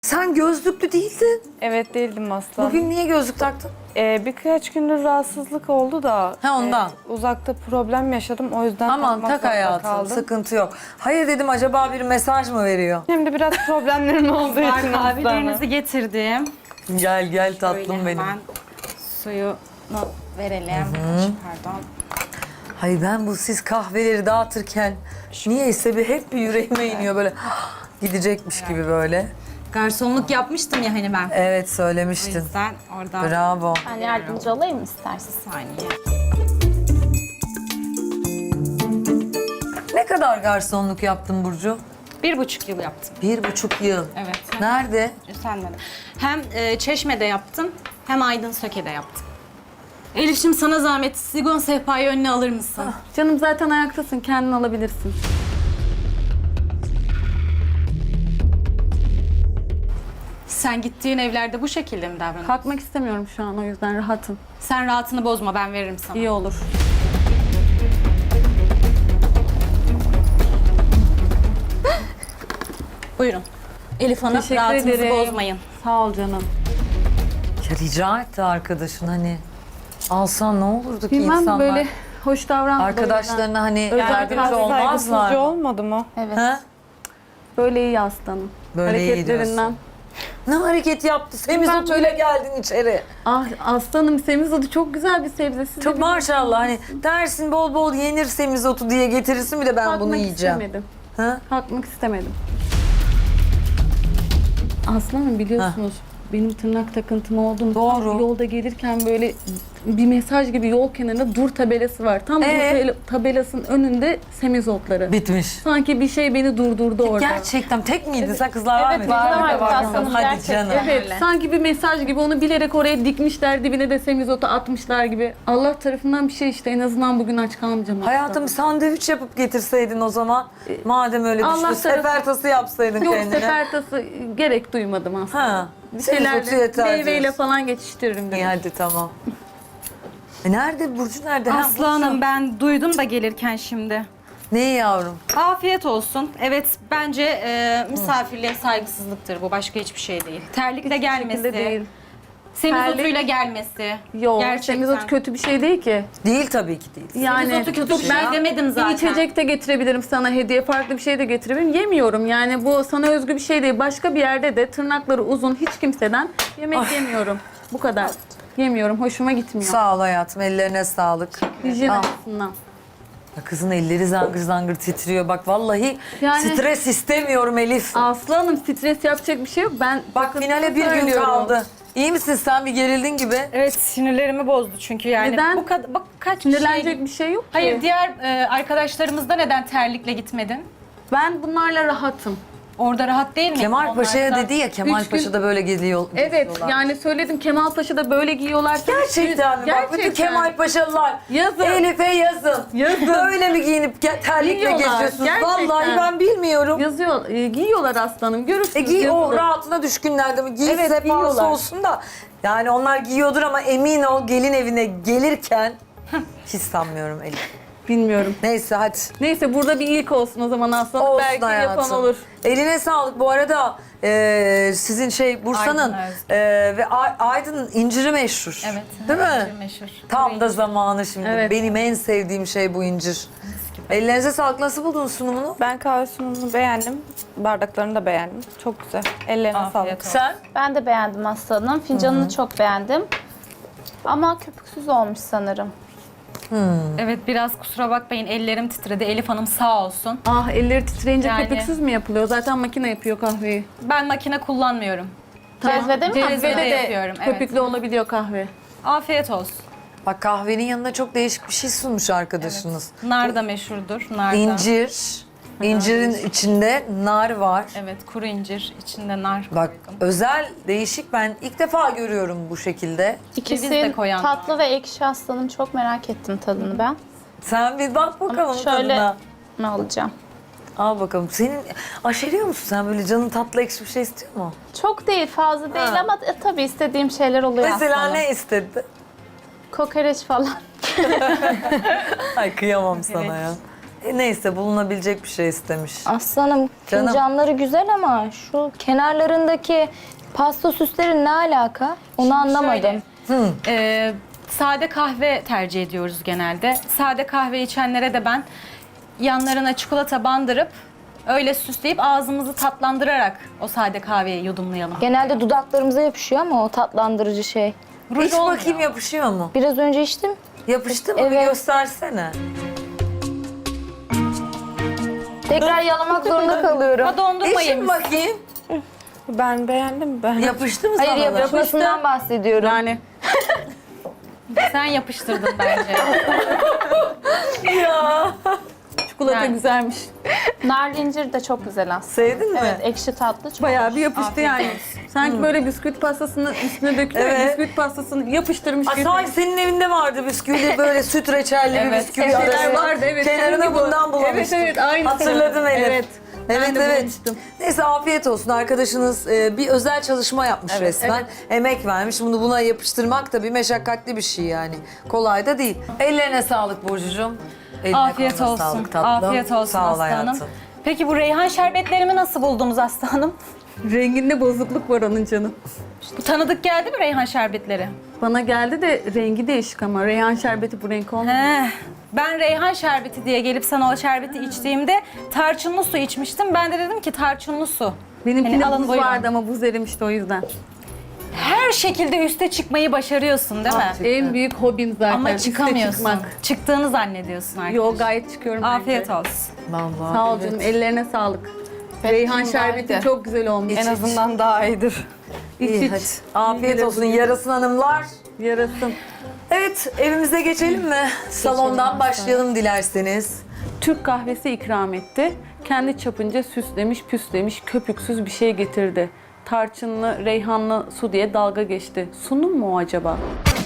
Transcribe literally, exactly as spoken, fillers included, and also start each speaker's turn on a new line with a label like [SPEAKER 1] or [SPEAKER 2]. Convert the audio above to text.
[SPEAKER 1] Sen gözlüklü değildin.
[SPEAKER 2] Evet değildim asla.
[SPEAKER 1] Bugün niye gözlük taktın?
[SPEAKER 2] Ee, birkaç gündür rahatsızlık oldu da.
[SPEAKER 1] Ha, ondan.
[SPEAKER 2] e, uzakta problem yaşadım o yüzden
[SPEAKER 1] Aman
[SPEAKER 2] takmak
[SPEAKER 1] tak
[SPEAKER 2] zorunda
[SPEAKER 1] hayatım,
[SPEAKER 2] kaldım.
[SPEAKER 1] sıkıntı yok. Hayır dedim, acaba bir mesaj mı veriyor?
[SPEAKER 2] Hem de biraz problemlerim olduğu için aslanım.
[SPEAKER 3] Kahvelerinizi getirdim.
[SPEAKER 1] Gel gel tatlım
[SPEAKER 3] Şöyle
[SPEAKER 1] benim.
[SPEAKER 3] hemen suyunu verelim. Pardon.
[SPEAKER 1] Hayır, ben bu siz kahveleri dağıtırken niyeyse bir hep bir yüreğime iniyor böyle gidecekmiş gibi böyle.
[SPEAKER 3] Garsonluk yapmıştım ya hani ben.
[SPEAKER 1] Evet,
[SPEAKER 3] O
[SPEAKER 1] söylemiştin.
[SPEAKER 3] yüzden oradan
[SPEAKER 1] Bravo.
[SPEAKER 4] Ben yardımcı olayım mı istersen?
[SPEAKER 3] bir saniye.
[SPEAKER 1] Ne kadar garsonluk yaptın Burcu?
[SPEAKER 3] Bir buçuk yıl yaptım.
[SPEAKER 1] Bir buçuk yıl.
[SPEAKER 3] Evet.
[SPEAKER 1] Nerede?
[SPEAKER 3] Üstlenmedi. Hem e, Çeşme'de yaptım hem Aydın Söke'de yaptım. Elif'ciğim sana zahmet sigon sehpayı önüne alır mısın?
[SPEAKER 5] Canım zaten ayaktasın, kendin alabilirsin.
[SPEAKER 3] Sen gittiğin evlerde bu şekilde mi davranıyorsun?
[SPEAKER 5] Kalkmak istemiyorum şu an, o yüzden rahatım.
[SPEAKER 3] Sen rahatını bozma, ben veririm sana.
[SPEAKER 5] İyi olur.
[SPEAKER 3] Buyurun. Elif Hanım,
[SPEAKER 5] Teşekkür
[SPEAKER 3] rahatınızı
[SPEAKER 5] ederim.
[SPEAKER 3] bozmayın.
[SPEAKER 5] Sağ ol canım.
[SPEAKER 1] Ya rica etti arkadaşın, hani alsan ne olurdu ki
[SPEAKER 5] Bilmem
[SPEAKER 1] insanlar?
[SPEAKER 5] böyle hoş davranma.
[SPEAKER 1] Arkadaşlarına hani
[SPEAKER 5] Özel
[SPEAKER 1] yardımcı
[SPEAKER 5] biraz
[SPEAKER 1] olmazlar
[SPEAKER 2] Saygısızca
[SPEAKER 1] mı?
[SPEAKER 2] olmadı mı?
[SPEAKER 4] Evet.
[SPEAKER 1] Ha?
[SPEAKER 5] Böyle iyi aslanım.
[SPEAKER 1] Böyle iyi
[SPEAKER 5] Hareketlerinden.
[SPEAKER 1] Ne hareket yaptı? Semizotuyla geldin içeri.
[SPEAKER 5] Ah aslanım, semizotu çok güzel bir sebze. Siz de
[SPEAKER 1] Çok
[SPEAKER 5] bir-
[SPEAKER 1] maşallah, hani dersin bol bol yenir semizotu diye getirirsin, bir de ben
[SPEAKER 5] Kalkmak
[SPEAKER 1] bunu yiyeceğim.
[SPEAKER 5] istemedim.
[SPEAKER 1] Ha?
[SPEAKER 5] Kalkmak istemedim. Aslanım biliyorsunuz benim tırnak takıntım olduğunu
[SPEAKER 1] Doğru.
[SPEAKER 5] yolda gelirken böyle bir mesaj gibi yol kenarında dur tabelası var. Tam
[SPEAKER 1] Ee?
[SPEAKER 5] bu tabela- tabelasının önünde semizotları.
[SPEAKER 1] Bitmiş.
[SPEAKER 5] Sanki bir şey beni durdurdu orada.
[SPEAKER 1] Gerçekten tek miydi? Sen kızlar var
[SPEAKER 4] Evet,
[SPEAKER 1] mıydı?
[SPEAKER 4] var, var, var.
[SPEAKER 1] Hadi
[SPEAKER 4] Gerçekten.
[SPEAKER 1] canım.
[SPEAKER 5] Evet,
[SPEAKER 3] Öyle.
[SPEAKER 5] sanki bir mesaj gibi onu bilerek oraya dikmişler, dibine de semizotu atmışlar gibi. Allah tarafından bir şey işte, en azından bugün aç kalmayacağım.
[SPEAKER 1] Hayatım, sandviç yapıp getirseydin o zaman. Madem öyle
[SPEAKER 5] Allah
[SPEAKER 1] düştü,
[SPEAKER 5] tarafı-
[SPEAKER 1] sefertası yapsaydın
[SPEAKER 5] Yok,
[SPEAKER 1] kendine.
[SPEAKER 5] sefertası gerek duymadım aslında.
[SPEAKER 1] Ha.
[SPEAKER 5] Bir
[SPEAKER 1] Semizotu
[SPEAKER 5] şeylerle,
[SPEAKER 1] yeter
[SPEAKER 5] meyveyle
[SPEAKER 1] diyorsun.
[SPEAKER 5] falan geçiştiririm dedim.
[SPEAKER 1] İyi hadi tamam. E nerede Burcu, nerede? Ha,
[SPEAKER 3] Aslı Hanım, ben duydum da gelirken şimdi.
[SPEAKER 1] Ne yavrum?
[SPEAKER 3] Afiyet olsun. Evet, bence e, misafirliğe saygısızlıktır bu. Başka hiçbir şey değil. Terlikle gelmesi,
[SPEAKER 5] şekilde değil.
[SPEAKER 3] semizotuyla gelmesi.
[SPEAKER 5] Yok,
[SPEAKER 3] Gerçekten.
[SPEAKER 5] semizot kötü bir şey değil ki.
[SPEAKER 1] Değil tabii ki değil.
[SPEAKER 5] Yani
[SPEAKER 3] Semizotu kötü bir şey
[SPEAKER 5] ben
[SPEAKER 3] demedim
[SPEAKER 5] bir
[SPEAKER 3] zaten.
[SPEAKER 5] içecek de getirebilirim sana hediye, farklı bir şey de getirebilirim. Yemiyorum yani, bu sana özgü bir şey değil. Başka bir yerde de tırnakları uzun hiç kimseden yemek yemiyorum. Bu kadar. Yemiyorum, hoşuma gitmiyor.
[SPEAKER 1] Sağ ol hayatım, ellerine sağlık.
[SPEAKER 5] Hijyen
[SPEAKER 1] Al.
[SPEAKER 5] açısından.
[SPEAKER 1] Ya kızın elleri zangır zangır titriyor. Bak vallahi
[SPEAKER 5] Yani-
[SPEAKER 1] stres istemiyorum Elif.
[SPEAKER 5] Aslı Hanım, stres yapacak bir şey yok. Ben
[SPEAKER 1] Bak finale bir gün
[SPEAKER 5] söylüyorum.
[SPEAKER 1] kaldı. İyi misin sen? Bir gerildin gibi.
[SPEAKER 3] Evet, sinirlerimi bozdu çünkü yani.
[SPEAKER 5] Neden?
[SPEAKER 3] Bu kadar, bak kaç
[SPEAKER 5] Sinirlenecek
[SPEAKER 3] şey...
[SPEAKER 5] bir şey yok ki.
[SPEAKER 3] Hayır, diğer e, arkadaşlarımızda neden terlikle gitmedin?
[SPEAKER 5] Ben bunlarla rahatım.
[SPEAKER 3] Orada rahat değil mi?
[SPEAKER 1] Kemal Paşa'ya
[SPEAKER 3] Onlarda-
[SPEAKER 1] dedi ya, Kemal
[SPEAKER 5] Üç gün-
[SPEAKER 1] Paşa'da böyle geziyor.
[SPEAKER 5] Evet,
[SPEAKER 1] geziyorlar.
[SPEAKER 5] yani söyledim, Kemal Paşa'da böyle giyiyorlar.
[SPEAKER 1] Gerçekten mi? Bak bütün
[SPEAKER 5] Gerçekten.
[SPEAKER 1] Kemal Paşalılar
[SPEAKER 5] Yazın.
[SPEAKER 1] Elif'e yazın.
[SPEAKER 5] Yazın.
[SPEAKER 1] Böyle mi giyinip ge- terlikle
[SPEAKER 5] Giyiyorlar,
[SPEAKER 1] geziyorsunuz?
[SPEAKER 5] gerçekten.
[SPEAKER 1] Vallahi ben bilmiyorum.
[SPEAKER 5] Yazıyor, e, giyiyorlar aslanım, görürsünüz.
[SPEAKER 1] E giy o
[SPEAKER 5] yazılı.
[SPEAKER 1] rahatına düşkünlerde mi? Giy
[SPEAKER 5] Evet,
[SPEAKER 1] sefası
[SPEAKER 5] giyiyorlar.
[SPEAKER 1] olsun da. Yani onlar giyiyordur ama emin ol, gelin evine gelirken hiç sanmıyorum Elif.
[SPEAKER 5] Bilmiyorum.
[SPEAKER 1] Neyse hadi.
[SPEAKER 5] Neyse, burada bir ilk olsun o zaman aslanım.
[SPEAKER 1] Olsun
[SPEAKER 5] Belki
[SPEAKER 1] hayatım.
[SPEAKER 5] yapan olur.
[SPEAKER 1] Eline sağlık. Bu arada e, sizin şey Bursa'nın
[SPEAKER 3] Aydın Özgür.
[SPEAKER 1] e, ve Ay- Aydın'ın inciri meşhur.
[SPEAKER 3] Evet.
[SPEAKER 1] Değil mi?
[SPEAKER 3] incir meşhur.
[SPEAKER 1] Tam da zamanı şimdi.
[SPEAKER 5] Evet.
[SPEAKER 1] Benim en sevdiğim şey bu incir. Ellerinize sağlık. Nasıl buldunuz sunumunu?
[SPEAKER 2] Ben kahve sunumunu beğendim. Bardaklarını da beğendim. Çok güzel. Ellerine
[SPEAKER 3] Afiyet
[SPEAKER 2] sağlık.
[SPEAKER 3] olsun.
[SPEAKER 1] Sen?
[SPEAKER 4] Ben de beğendim aslanım. Fincanını çok beğendim. Ama köpüksüz olmuş sanırım.
[SPEAKER 3] Evet, biraz kusura bakmayın, ellerim titredi. Elif Hanım sağ olsun.
[SPEAKER 5] Ah, elleri titreyince
[SPEAKER 3] Yani-
[SPEAKER 5] köpüksüz mü yapılıyor? Zaten makine yapıyor kahveyi.
[SPEAKER 3] Ben makine kullanmıyorum.
[SPEAKER 4] Cezvede mi?
[SPEAKER 3] Cezvede
[SPEAKER 5] Cezvede de
[SPEAKER 3] yapıyorum, evet.
[SPEAKER 5] köpüklü olabiliyor kahve.
[SPEAKER 3] Afiyet olsun.
[SPEAKER 1] Bak kahvenin yanına çok değişik bir şey sunmuş arkadaşınız.
[SPEAKER 3] Nar da meşhurdur. Nar da.
[SPEAKER 1] İncir. İncirin içinde nar var.
[SPEAKER 3] Evet, kuru incir. içinde nar
[SPEAKER 1] Bak
[SPEAKER 3] koydum.
[SPEAKER 1] özel, değişik, ben ilk defa görüyorum bu şekilde.
[SPEAKER 4] İkisi
[SPEAKER 3] Ceviz de koyan
[SPEAKER 4] tatlı
[SPEAKER 3] var.
[SPEAKER 4] ve ekşi aslanım. Çok merak ettim tadını ben.
[SPEAKER 1] Sen bir bak bakalım
[SPEAKER 4] Şöyle
[SPEAKER 1] tadına.
[SPEAKER 4] mi alacağım?
[SPEAKER 1] Al bakalım. Senin aşeriyor musun sen, böyle canın tatlı ekşi bir şey istiyor mu?
[SPEAKER 4] Çok değil, fazla değil
[SPEAKER 1] Ha.
[SPEAKER 4] ama e, tabii istediğim şeyler oluyor
[SPEAKER 1] Mesela
[SPEAKER 4] aslanım.
[SPEAKER 1] ne istedi?
[SPEAKER 4] Kokoreç falan.
[SPEAKER 1] Ay kıyamam sana ya. E, neyse bulunabilecek bir şey istemiş.
[SPEAKER 6] Aslanım
[SPEAKER 1] Canım.
[SPEAKER 6] fincanları güzel ama şu kenarlarındaki pasta süsleri ne alaka? Onu anlamadım.
[SPEAKER 3] Ee, sade kahve tercih ediyoruz genelde. Sade kahve içenlere de ben yanlarına çikolata bandırıp öyle süsleyip ağzımızı tatlandırarak o sade kahveyi yudumlayalım.
[SPEAKER 6] Genelde dudaklarımıza yapışıyor ama o tatlandırıcı şey.
[SPEAKER 3] Ruj
[SPEAKER 1] İç
[SPEAKER 3] olmuyor.
[SPEAKER 1] bakayım yapışıyor mu?
[SPEAKER 6] Biraz önce içtim.
[SPEAKER 1] Yapıştı mı? Bir
[SPEAKER 6] Evet.
[SPEAKER 1] göstersene.
[SPEAKER 6] Tekrar yalamak zorunda kalıyorum.
[SPEAKER 3] Ha dondurma
[SPEAKER 1] İçin
[SPEAKER 3] yemiş.
[SPEAKER 1] bakayım.
[SPEAKER 2] Ben beğendim. Ben.
[SPEAKER 1] Yapıştı mı
[SPEAKER 6] Hayır
[SPEAKER 1] sana da?
[SPEAKER 6] yapışmasından bahsediyorum.
[SPEAKER 5] Yani
[SPEAKER 3] Sen yapıştırdın bence.
[SPEAKER 5] çikolata
[SPEAKER 3] Yani.
[SPEAKER 5] güzelmiş.
[SPEAKER 4] Nar incir de çok güzel aslında.
[SPEAKER 1] Sevdin mi?
[SPEAKER 4] Evet, ekşi tatlı çok
[SPEAKER 5] Bayağı
[SPEAKER 4] hoş.
[SPEAKER 5] bir yapıştı
[SPEAKER 4] Afiyet
[SPEAKER 5] yani.
[SPEAKER 4] olsun.
[SPEAKER 5] Sanki böyle bisküvit pastasının üstüne dökülüyor.
[SPEAKER 1] Evet.
[SPEAKER 5] Bisküvit pastasını yapıştırmış
[SPEAKER 1] Aa,
[SPEAKER 5] gibi.
[SPEAKER 1] sanki senin evinde vardı bisküvi böyle süt reçelli bir
[SPEAKER 3] Evet,
[SPEAKER 1] bisküvi
[SPEAKER 5] Şeyler
[SPEAKER 1] arasında.
[SPEAKER 5] vardı evet.
[SPEAKER 1] Kenarına
[SPEAKER 5] Senin gibi.
[SPEAKER 1] bundan bulamıştım.
[SPEAKER 5] Evet evet aynı.
[SPEAKER 1] Hatırladım Elif.
[SPEAKER 5] Evet.
[SPEAKER 1] Evet
[SPEAKER 5] Ben de
[SPEAKER 1] evet.
[SPEAKER 5] bulmuştum.
[SPEAKER 1] Neyse afiyet olsun. Arkadaşınız e, bir özel çalışma yapmış resmen. Emek vermiş. Bunu buna yapıştırmak da bir meşakkatli bir şey yani. Kolay da değil. Ellerine sağlık Burcucuğum. Eline
[SPEAKER 3] Afiyet
[SPEAKER 1] koluna
[SPEAKER 3] olsun.
[SPEAKER 1] Sağlık tatlım.
[SPEAKER 3] Afiyet olsun
[SPEAKER 1] Sağ ol
[SPEAKER 3] Aslı Hanım.
[SPEAKER 1] hayatım.
[SPEAKER 3] Peki bu reyhan şerbetlerimi nasıl buldunuz Aslı Hanım?
[SPEAKER 5] Renginde bozukluk var onun canım.
[SPEAKER 3] Bu tanıdık geldi mi reyhan şerbetleri?
[SPEAKER 5] Bana geldi de rengi değişik ama reyhan şerbeti bu renk olmuyor.
[SPEAKER 3] He. Ben reyhan şerbeti diye gelip sana o şerbeti içtiğimde tarçınlı su içmiştim. Ben de dedim ki tarçınlı su.
[SPEAKER 5] Benimkinde
[SPEAKER 3] Hani alın
[SPEAKER 5] buz
[SPEAKER 3] buyurun.
[SPEAKER 5] vardı ama buz erimişti o yüzden.
[SPEAKER 3] Her şekilde üste çıkmayı başarıyorsun değil mi?
[SPEAKER 5] En büyük hobim zaten.
[SPEAKER 3] Ama
[SPEAKER 5] üste
[SPEAKER 3] çıkamıyorsun.
[SPEAKER 5] çıkmak.
[SPEAKER 3] Çıktığını zannediyorsun arkadaş.
[SPEAKER 5] Yo gayet çıkıyorum.
[SPEAKER 3] Afiyet
[SPEAKER 5] bence.
[SPEAKER 3] olsun.
[SPEAKER 1] Vallahi.
[SPEAKER 5] Sağ ol
[SPEAKER 1] evet.
[SPEAKER 5] canım ellerine sağlık. Reyhan şerbeti
[SPEAKER 2] iyiydi.
[SPEAKER 5] çok güzel olmuş.
[SPEAKER 2] En azından daha iyidir.
[SPEAKER 5] İç
[SPEAKER 1] İyi
[SPEAKER 5] iç.
[SPEAKER 1] hadi. Afiyet
[SPEAKER 5] İyi
[SPEAKER 1] olsun
[SPEAKER 5] gelir.
[SPEAKER 1] yarasın hanımlar.
[SPEAKER 5] Yarasın.
[SPEAKER 1] Evet evimize geçelim mi? Salondan başlayalım dilerseniz.
[SPEAKER 5] Türk kahvesi ikram etti. Kendi çapınca süslemiş, püslemiş, köpüksüz bir şey getirdi. Tarçınlı, reyhanlı su diye dalga geçti. Sunum mu o acaba?